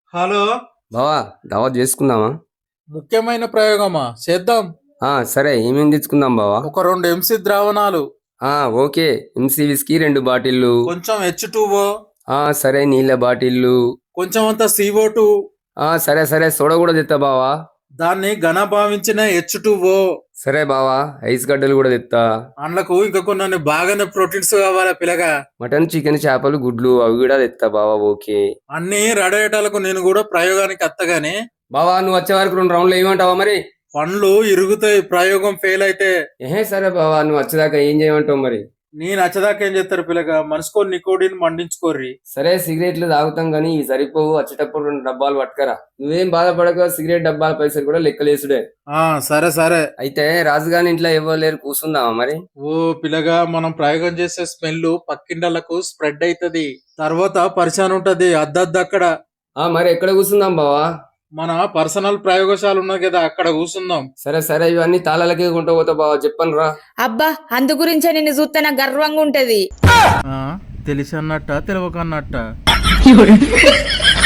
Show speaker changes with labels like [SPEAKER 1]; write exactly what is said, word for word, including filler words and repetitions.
[SPEAKER 1] Hello.
[SPEAKER 2] బావా దావత్ చేసుకుందామా?
[SPEAKER 1] ముఖ్యమైన ప్రయోగమా చేద్దాం.
[SPEAKER 2] ఆ సరే, ఏమేమి తెచ్చుకుందాం బావా?
[SPEAKER 1] ఒక రెండు ఎంసీ ద్రావణాలు,
[SPEAKER 2] ఆ ఓకే. ఎంసీ విస్కీ రెండు బాటిళ్ళు.
[SPEAKER 1] కొంచెం హెచ్ టూ ఓ,
[SPEAKER 2] ఆ సరే, నీళ్ళ బాటిళ్ళు.
[SPEAKER 1] కొంచెం అంత సిఓ టూ,
[SPEAKER 2] ఆ సరే సరే, సోడా కూడా తెత్తా బావా.
[SPEAKER 1] దాన్ని ఘన భావించిన హెచ్ టూ ఓ.
[SPEAKER 2] సరే బావా, ఐస్ గడ్డలు కూడా తెత్తా.
[SPEAKER 1] అండ్లకు ఇంకా కొన్ని బాగానే ప్రోటీన్స్ కావాలా పిల్లగా.
[SPEAKER 2] మటన్, చికెన్, చేపలు, గుడ్లు అవి కూడా తెత్తా బావా. ఓకే
[SPEAKER 1] అన్ని రడేటాలకు నేను కూడా ప్రయోగానికి అత్తగాని.
[SPEAKER 2] బావా, నువ్వు వచ్చే వరకు రెండు రౌండ్లు ఏమంటావా మరి?
[SPEAKER 1] పండ్లు ఇరుగుతాయి ప్రయోగం ఫెయిల్ అయితే.
[SPEAKER 2] ఏహే సరే బావా, నువ్వు వచ్చేదాకా ఏం చేయమంటావు మరి?
[SPEAKER 1] నేను నచ్చదాకా ఏం చేస్తారు పిల్లగా, మనసుకో నికోడిని మండించుకోర్రి.
[SPEAKER 2] సరే, సిగరెట్లు తాగుతాం కానీ ఇవి సరిపోవు. వచ్చేటప్పుడు రెండు డబ్బాలు పట్టుకరా. నువ్వేం బాధపడక, సిగరెట్ డబ్బాల పైసలు కూడా లెక్కలేసుడే.
[SPEAKER 1] ఆ సరే సరే.
[SPEAKER 2] అయితే రాజుగాని ఇంట్లో ఎవరు లేరు, కూర్చుందామా మరి?
[SPEAKER 1] ఓ పిల్లగా, మనం ప్రయోగం చేసే స్మెల్ పక్కిండలకు స్ప్రెడ్ అవుతది, తర్వాత పరిచయం ఉంటది అద్దద్దు అక్కడ.
[SPEAKER 2] ఆ మరి ఎక్కడ కూర్చుందాం బావా?
[SPEAKER 1] మన పర్సనల్ ప్రయోగశాల ఉన్నది కదా, అక్కడ కూర్చుందాం.
[SPEAKER 2] సరే సరే, ఇవన్నీ తాళాలకే కొంటూ పోతా బావా. చెప్పను రా.
[SPEAKER 3] అబ్బా, అందు గురించే నిన్ను చూస్తే నాకు గర్వంగా ఉంటది.
[SPEAKER 1] తెలిసి అన్నట్ట తెలియకన్నట్ట